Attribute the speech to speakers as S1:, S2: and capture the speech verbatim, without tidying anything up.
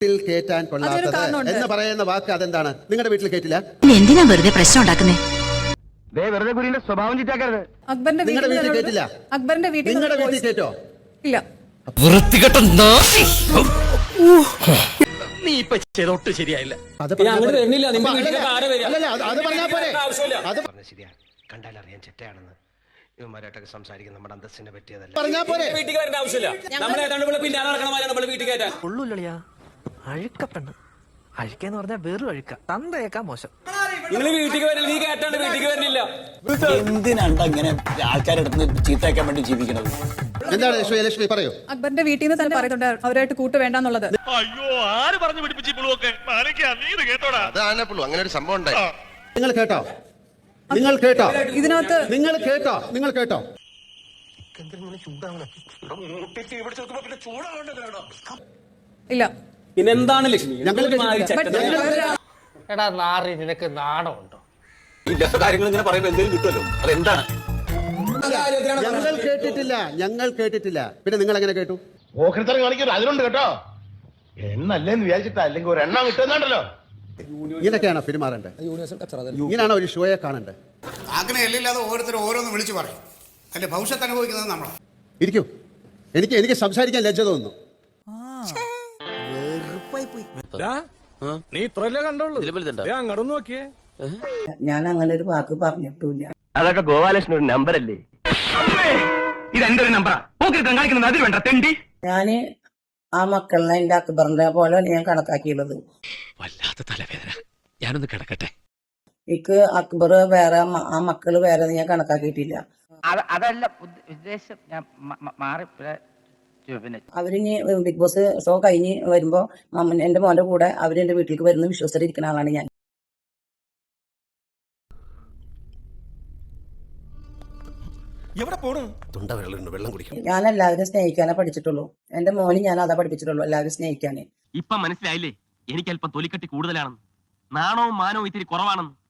S1: കേറ്റാൻ കൊള്ളാത്തത് എന്ന് പറയുന്ന വാക്ക് അതെന്താണ്? നിങ്ങളുടെ വീട്ടിൽ കേട്ടില്ല?
S2: എന്തിനാ വെറുതെ പ്രശ്നം ഉണ്ടാക്കുന്നേ?
S3: സ്വഭാവം ചിറ്റാക്കരുത്.
S1: നിങ്ങളുടെ വീട്ടിൽ കേട്ടില്ല?
S4: അക്ബറിന്റെ വീട്ടിൽ
S1: നിങ്ങളുടെ വീട്ടിൽ കേട്ടോ?
S4: ഇല്ല.
S5: നീ ഇപ്പൊ ചെയ്തൊട്ട് ശരിയായില്ല.
S1: അത് പറഞ്ഞാ പോരെ.
S3: കണ്ടാലറിയാൻ ചെറ്റയാണെന്ന് ഇവന്മാരായിട്ടൊക്കെ സംസാരിക്കുന്ന നമ്മുടെ അന്തസ്സിനെ പറ്റിയതല്ല.
S1: പറഞ്ഞാ പോരെ.
S5: വീട്ടിൽ വരേണ്ട ആവശ്യമില്ല. നമ്മളെ ഏതാണ്ട് പിന്നാലെ നടക്കണമാരാണ് നമ്മൾ വീട്ടിൽ കയറ്റാൻ.
S6: ഉള്ളൂല്ലളിയാ അഴുക്കപ്പെണ്ണ്. അഴുക്കെന്ന് പറഞ്ഞാൽ വെറും അഴുക്ക, തന്തയേക്കാ മോശം.
S5: നിങ്ങൾ വീട്ടിൽ വരില്ല, നീ കയറ്റാണ്ട് വീട്ടിൽ വരുന്നില്ല.
S7: എന്തിനാണ് ഇങ്ങനെ ആൾക്കാരെടുത്ത് ചീത്തയാക്കാൻ വേണ്ടി ജീവിക്കുന്നത്?
S1: എന്താണ് ലക്ഷ്മി പറയൂ.
S4: അക്ബറിന്റെ വീട്ടിൽ നിന്ന് തന്നെ പറയുന്നുണ്ട് അവരായിട്ട് കൂട്ട് വേണ്ടെന്നുള്ളത്.
S8: അയ്യോ, ആര് പറഞ്ഞു പിടിപ്പിച്ചിപ്പോഴൊക്കെ അങ്ങനെ ഒരു സംഭവം ഉണ്ടായി.
S1: നിങ്ങൾ കേട്ടോ? നിങ്ങൾ കേട്ടോ?
S4: ഇതിനകത്ത്
S1: നിങ്ങൾ കേട്ടോ? നിങ്ങൾ കേട്ടോ?
S4: ഇല്ല.
S5: പിന്നെന്താണ് ലക്ഷ്മി?
S6: എടാ നാറി, നിനക്ക് നാണമുണ്ടോ?
S7: കാര്യങ്ങൾ ഇങ്ങനെ പറയുമ്പോൾ എന്തെങ്കിലും കിട്ടുമല്ലോ, അതെന്താണ്?
S1: ഞങ്ങൾ കേട്ടിട്ടില്ല, ഞങ്ങൾ കേട്ടിട്ടില്ല. പിന്നെ നിങ്ങൾ എങ്ങനെ കേട്ടു?
S8: ഓഹരിത്തരം കാണിക്കരുത്, അതിലുണ്ട് കേട്ടോ. എണ്ണല്ലേന്ന് വിചാരിച്ചിട്ടാ, അല്ലെങ്കിൽ ഒരു എണ്ണം കിട്ടുന്നുണ്ടല്ലോ.
S1: ഇങ്ങനെയൊക്കെയാണോ പെരുമാറേണ്ടത്? ഇങ്ങനെയാണോ ഒരു ഷോയെ കാണേണ്ടത്?
S9: അങ്ങനെ എല്ലില്ലാതെ ഓരോരുത്തരും ഓരോന്ന് വിളിച്ചു പറയും. അല്ലെ ഭവിഷ്യത്ത് അനുഭവിക്കുന്നത് നമ്മളാണ്.
S1: ഇരിക്കൂ. എനിക്ക് എനിക്ക് സംസാരിക്കാൻ ലജ്ജ തോന്നുന്നു.
S5: നീ ഇത്രല്ലേ കണ്ടോളൂ, അങ്ങോട്ട് നോക്കിയേ.
S10: ഞാൻ അങ്ങനെ ഒരു വാക്ക് പറഞ്ഞിട്ടില്ല.
S3: അതൊക്കെ ഗോപാലകൃഷ്ണൻ ഒരു നമ്പർ അല്ലേ? ഇത് എന്റെ ഒരു നമ്പറാ. കാണിക്കുന്നത് അതിൽ വേണ്ട തെണ്ടി.
S10: ഞാന് ആ മക്കളിനെ എന്റെ അക്ബറിന്റെ പോലെ ഞാൻ കണക്കാക്കിയുള്ളത്.
S5: വല്ലാത്ത തലവേദന, ഞാനൊന്ന് കിടക്കട്ടെ.
S10: എനിക്ക് അക്ബർ വേറെ, ആ മക്കള് വേറെ ഞാൻ കണക്കാക്കിയിട്ടില്ല.
S3: അതല്ല ഉദ്ദേശം, ഞാൻ മാറി.
S10: അവരിനി ബിഗ് ബോസ് ഷോ കഴിഞ്ഞ് വരുമ്പോ എന്റെ മോന്റെ കൂടെ അവര് എന്റെ വീട്ടിലേക്ക് വരുന്ന വിശ്വസിച്ചിരിക്കുന്ന ആളാണ് ഞാൻ. ഞാൻ എല്ലാവരും സ്നേഹിക്കാനേ പഠിച്ചിട്ടുള്ളൂ. എന്റെ മോന് ഞാൻ അതാ പഠിപ്പിച്ചിട്ടുള്ളൂ, എല്ലാവരും സ്നേഹിക്കാനേ.
S3: ഇപ്പൊ മനസ്സിലായില്ലേ എനിക്ക് അല്പം തൊലിക്കട്ടി കൂടുതലാണെന്ന്, നാണവും മാനവും ഇത്തിരി കുറവാണെന്ന്.